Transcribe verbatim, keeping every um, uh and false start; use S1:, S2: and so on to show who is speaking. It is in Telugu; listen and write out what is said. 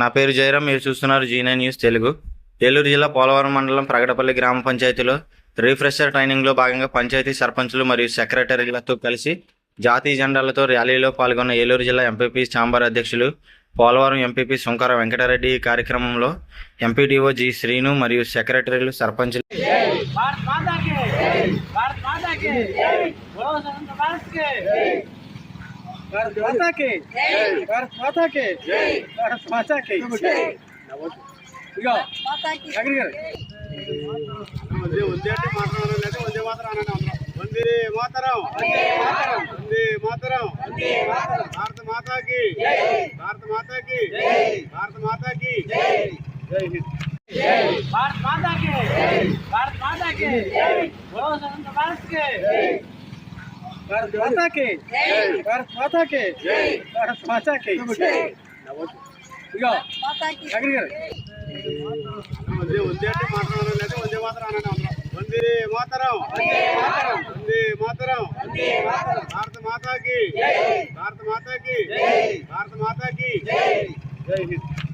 S1: నా పేరు జయరాం. మీరు చూస్తున్నారు Zee nine news Telugu. Eluru జిల్లా పోలవరం మండలం ప్రగడపల్లి గ్రామ పంచాయతీలో రీఫ్రెషర్ ట్రైనింగ్లో భాగంగా పంచాయతీ సర్పంచులు మరియు సెక్రటరీలతో కలిసి జాతీయ జెండాలతో ర్యాలీలో పాల్గొన్న ఏలూరు జిల్లా ఎంపీపీ ఛాంబర్ అధ్యక్షులు పోలవరం ఎంపీపీ సుంకర వెంకటరెడ్డి. ఈ కార్యక్రమంలో ఎంపీడీఓ జి శ్రీను మరియు సెక్రటరీలు, సర్పంచులు
S2: भारत माता के भारत माता के भारत माता के ఇగో అగ్రి గారు వందే వందే అంటే మాట్లాడాలంటే వందే మాతరం అనండి. అందరం వందే మాతరం, వందే మాతరం, భారత మాతాకి భారత మాతాకి భారత మాతాకి జై హింద్. భారత మాతాకి భారత మాతాకి బోలో స్వతంత్ర భారత్ కే भारत माता के भारत माता के भारत माता के ఇగో అగ్రి గారు వందే వందే అంటే మాట్లాడాలంటే వందే మాతరం అనండి. అందరం వందే మాతరం, వందే మాతరం, భారత మాతాకి భారత మాతాకి భారత మాతాకి జై హింద్.